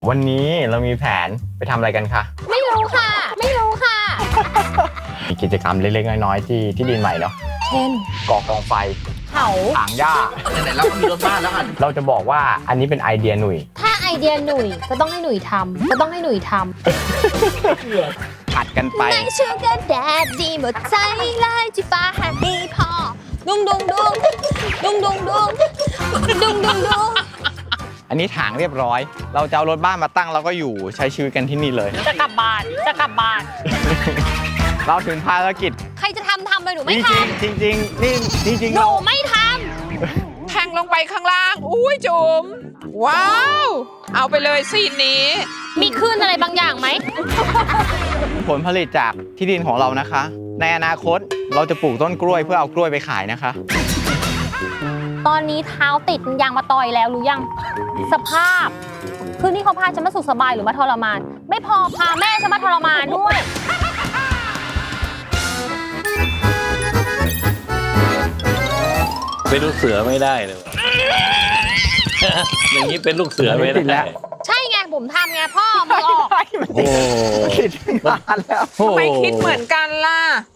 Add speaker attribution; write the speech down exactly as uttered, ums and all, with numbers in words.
Speaker 1: วันนี้เรามีแผนไปทำอะไรกันคะ
Speaker 2: ไม่รู้ค่ะไม่รู้ค่ะ
Speaker 1: มีกิจกรรมเล็กๆน้อยๆที่ที่ดินใหม่เนาะ
Speaker 2: เช่น
Speaker 1: ก่อกองไฟ
Speaker 2: เผา
Speaker 1: ถางหญ้า
Speaker 3: ไหนๆเราก็มีรถบ้านแล้วอ่ะ
Speaker 1: เราจะบอกว่าอันนี้เป็นไอเดียหนุ่ย
Speaker 2: ถ้าไอเดียหนุ่ยก็ต้องให้หนุ่ยทำก็ต้องให้หนุ่ยท
Speaker 1: ผัดกันไป
Speaker 2: ำในชูการ์แดดดีหมดใจเลยจีฟ้าแฮปปี้พอดุงดุงดุงดุงดุงดุงดุงดุงดุง
Speaker 1: อันนี้ถางเรียบร้อยเราจะเอารถบ้านมาตั้งเราก็อยู่ใช้ชีวิตกันที่นี่เลย
Speaker 2: จะกลับบ้านจะกลับบ้าน
Speaker 1: เราถึงภารกิจ
Speaker 2: ใครจะทำทำเลยหนูไม่ทำ
Speaker 1: จริงจริงๆนี่จริงๆ
Speaker 2: หนูไม่ท
Speaker 4: ำแทงลงไปข้างล่างอุ้ยจุ๋มว้าวเอาไปเลยซีนนี้
Speaker 2: มีคลื่นอะไรบางอย่างไหม
Speaker 1: ผลผลิตจากที่ดินของเรานะคะ ในอนาคตเราจะปลูกต้นกล้วยเพื่อเอากล้วยไปขายนะคะ
Speaker 2: ตอนนี้เท้าติดยางมาต่อยแล้วรู้ยังสภาพคือนี่เขาพาฉันมาสุขสบายหรือมาทรมานไม่พอพาแม่ฉันมาทรมานด้วย
Speaker 5: เป็นลูกเสือไม่ได้เลย อย่างนี้เป็นลูกเสือไม่ได้
Speaker 2: ใช่ไงผมทำไงพ่อมือออก
Speaker 1: โอ้คิดนานแล้ว
Speaker 4: ทำไมคิดเหมือนกันล่ะ